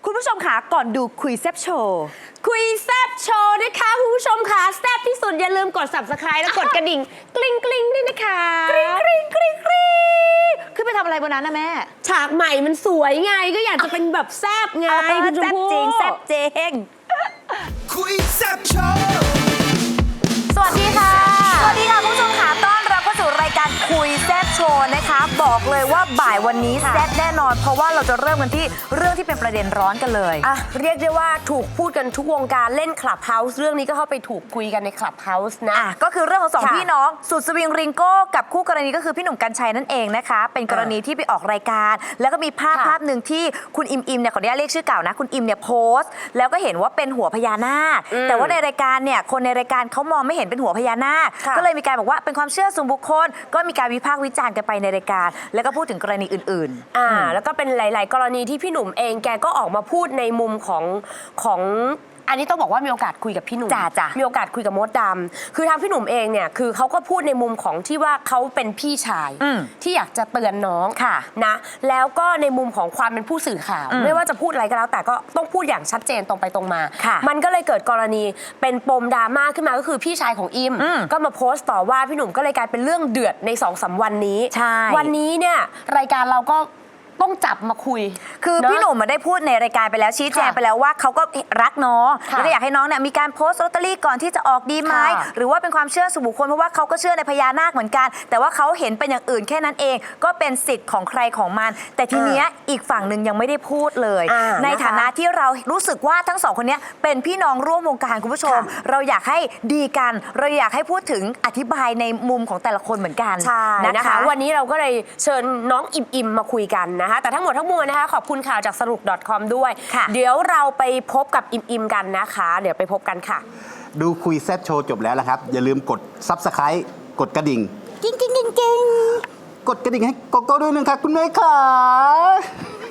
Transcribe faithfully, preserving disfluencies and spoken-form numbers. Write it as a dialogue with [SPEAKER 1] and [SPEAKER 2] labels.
[SPEAKER 1] คุณผู้ชมคะก่อนดูคุยแซบโชว์
[SPEAKER 2] คุยแซบโชว์นะคะคุณผู้ชมค่ะแซบที่สุดอย่าลืมกด ซับสไครบ์ และกดกระดิ่งกริ๊งกริ๊งด้วยนะคะ
[SPEAKER 1] กริ๊งกริ๊งกริ๊งกริ๊งขึ้นไปทำอะไรบนนั้นนะแม่
[SPEAKER 2] ฉากใหม่มันสวยไงก็อยากจะเป็นแบบแซบไงคุณชมพู่
[SPEAKER 1] แซบจริงแซบจริง
[SPEAKER 3] คุยแซบโชว์
[SPEAKER 1] สวัสดีค่ะสวัสดีค่ะคุณผู้ชมค่ะต้อนรับเข้าสู่รายการคุยแซบโชว์นะคะบอกเลยว่าบ่ายวันนี้แซบแน่นอนเพราะว่าเราจะเริ่มกันที่เรื่องที่เป็นประเด็นร้อนกันเลย
[SPEAKER 2] อ่ะเรียกได้ว่าถูกพูดกันทุกวงการเล่นคลับเฮาส์เรื่องนี้ก็เข้าไปถูกคุยกันในคลับเฮาส์นะ
[SPEAKER 1] อ่ะก็คือเรื่องของสองพี่น้องสุดสวิงริงโก้กับคู่กรณีก็คือพี่หนุ่มกรรชัยนั่นเองนะคะเป็นกรณีที่ไปออกรายการแล้วก็มีภาพภาพหนึ่งที่คุณอิมอิมเนี่ยขออนุญาตเรียกชื่อเก่านะคุณอิมเนี่ยโพสต์แล้วก็เห็นว่าเป็นหัวพญานาคแต่ว่าในรายการเนี่ยคนในรายการเขามองไม่เห็นเป็นหัวพญานาคก็เลยมีการบอกว่าเป็นความเชื่อส่วนบุคคลก็มีการวิพากษ์วิจารณ์กันไปในรายการแล้วก็พูดถึงกรณีอื่น
[SPEAKER 2] ๆอ่าแล้วก็เป็นหลาย ๆ กรณีที่พี่หนุ่มเองแกก็ออกมาพูดในมุมของของอันนี้ต้องบอกว่ามีโอกาสคุยกับพี่หนุ่ม
[SPEAKER 1] จ้าจ้า
[SPEAKER 2] มีโอกาสคุยกับมดดำคือทางพี่หนุ่มเองเนี่ยคือเขาก็พูดในมุมของที่ว่าเขาเป็นพี่ชายที่อยากจะเตือนน้อง
[SPEAKER 1] ค่ะ
[SPEAKER 2] นะแล้วก็ในมุมของความเป็นผู้สื่อข่าวไม่ว่าจะพูดอะไรก็แล้วแต่ก็ต้องพูดอย่างชัดเจนตรงไปตรงมามันก็เลยเกิดกรณีเป็นปมดราม่าขึ้นมาก็คือพี่ชายของอิมก็มาโพสต์ต่อว่าพี่หนุ่มก็เลยกลายเป็นเรื่องเดือดใน สองสาม วันนี้วันนี้เนี่ยรายการเราก็ต้องจับมาคุย
[SPEAKER 1] คือพี่หนุ่มมาได้พูดในรายการไปแล้วชี้แจงไปแล้วว่าเขาก็รักน้องแล้วก็อยากให้น้องเนี่ยมีการโพสต์ลอตเตอรี่ก่อนที่จะออกดีไหมหรือว่าเป็นความเชื่อส่วนบุคคลเพราะว่าเขาก็เชื่อในพญานาคเหมือนกันแต่ว่าเขาเห็นเป็นอย่างอื่นแค่นั้นเองก็เป็นสิทธิ์ของใครของมันแต่ทีเนี้ยอีกฝั่งหนึ่งยังไม่ได้พูดเลยในฐานะที่เรารู้สึกว่าทั้งสองคนนี้เป็นพี่น้องร่วมวงการคุณผู้ชมเราอยากให้ดีกันเราอยากให้พูดถึงอธิบายในมุมของแต่ละคนเหมือนกัน
[SPEAKER 2] นะคะวันนี้เราก็เลยเชิญน้องอิมอิมมาคุยกันนะคะแต่ทั้งหมดทั้งมวลนะคะขอบคุณข่าวจากสรุป .com ด้วยเดี๋ยวเราไปพบกับอิมอิมกันนะคะเดี๋ยวไปพบกันค่ะ
[SPEAKER 3] ดูคุยแซบโชว์จบแล้วละครับอย่าลืมกด ซับสไครบ์ กดกระดิ่ง
[SPEAKER 1] กิ้งกิ้งกิ้งกิ้ง
[SPEAKER 3] กดกระดิ่งให้โกโก้ด้วยนึงค่ะคุณแม่ค่ะ